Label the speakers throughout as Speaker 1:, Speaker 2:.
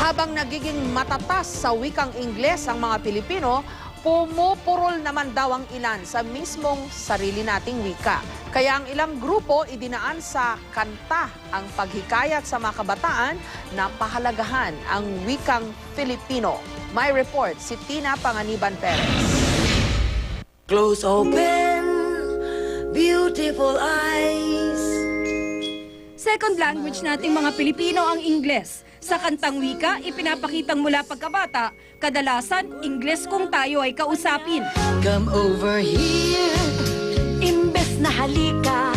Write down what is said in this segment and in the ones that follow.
Speaker 1: Habang nagiging matatas sa wikang Ingles ang mga Pilipino, pumupurol naman daw ang ilan sa mismong sarili nating wika. Kaya ang ilang grupo idinaan sa kanta ang paghikayat sa mga kabataan na pahalagahan ang wikang Filipino. May report si Tina Panganiban Perez.
Speaker 2: Close open, beautiful eyes.
Speaker 3: Second language nating mga Pilipino ang Ingles. Sa kantang wika, ipinapakitang mula pagkabata, kadalasan, Ingles kung tayo ay kausapin.
Speaker 2: Come over here, imbes na halika.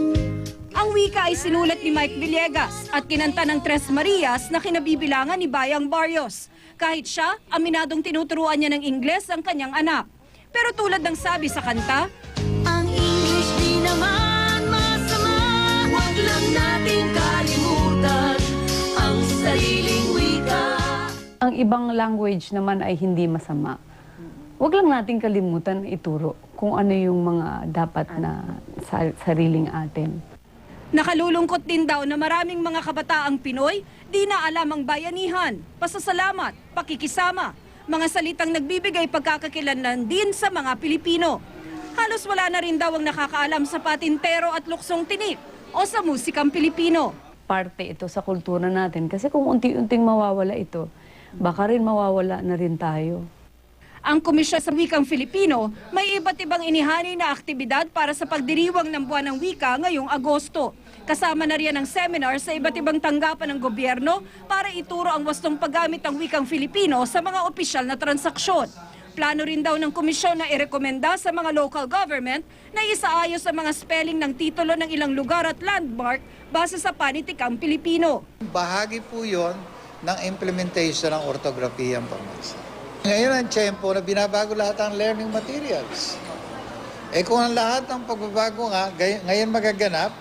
Speaker 3: Ang wika ay sinulat ni Mike Villegas at kinanta ng Tres Marias na kinabibilangan ni Bayang Barrios. Kahit siya, aminadong tinuturuan niya ng Ingles ang kanyang anak. Pero tulad ng sabi sa kanta,
Speaker 2: Ang English di naman masama, huwag lang nating kalimutan ang sariling wika.
Speaker 4: Ang ibang language naman ay hindi masama. Huwag lang nating kalimutan ituro kung ano yung mga dapat na sariling atin.
Speaker 3: nakalulungkot din daw na maraming mga kabataang Pinoy di na alam ang bayanihan, pasasalamat, pakikisama, mga salitang nagbibigay pagkakakilanlan din sa mga Pilipino. Halos wala na rin daw ang nakakaalam sa patintero at luksong tinik o sa musikang Pilipino.
Speaker 4: Parte ito sa kultura natin kasi kung unti-unting mawawala ito, baka rin mawawala na rin tayo.
Speaker 3: Ang Komisyon sa Wikang Filipino may iba't ibang inihani na aktibidad para sa pagdiriwang ng Buwan ng Wika ngayong Agosto. Kasama na riyan ang seminar sa iba't ibang tanggapan ng gobyerno para ituro ang wastong paggamit ng wikang Filipino sa mga opisyal na transaksyon. Plano rin daw ng komisyon na irekomenda sa mga local government na isaayos ang mga spelling ng titulo ng ilang lugar at landmark base sa panitikang Pilipino.
Speaker 5: Bahagi po yon ng implementation ng ortografiyang pambansa. Ngayon ang tiyempo na binabago lahat ang learning materials. Kung ang lahat ng pagbabago nga ngayon magaganap,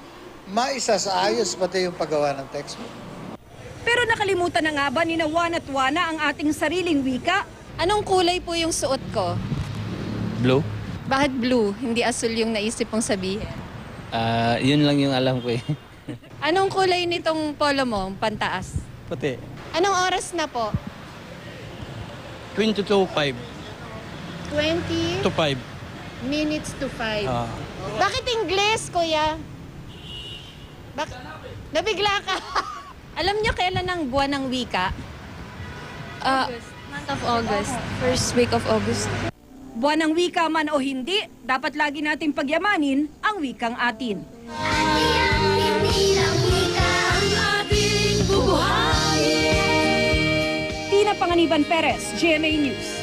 Speaker 5: maisasaayos pati yung paggawa ng textbook.
Speaker 3: Pero nakalimutan na nga ba ni Juan at Juana ang ating sariling wika?
Speaker 6: Anong kulay po yung suot ko?
Speaker 7: Blue?
Speaker 6: Bakit blue? Hindi asul yung naisip mong sabihin.
Speaker 7: Yun lang yung alam ko eh.
Speaker 6: Anong kulay nitong polo mo, pantaas?
Speaker 7: Puti.
Speaker 6: Anong oras na po?
Speaker 7: 20 to 5.
Speaker 6: 20
Speaker 7: To 5.
Speaker 6: minutes to 5. Bakit Ingles, kuya? Nabigla ka. Alam niyo kailan ang buwan ng wika? Month of August. First week of August.
Speaker 3: Buwan ng wika man o hindi, dapat lagi nating pagyamanin ang wikang atin. Tina Panganiban Perez, GMA News.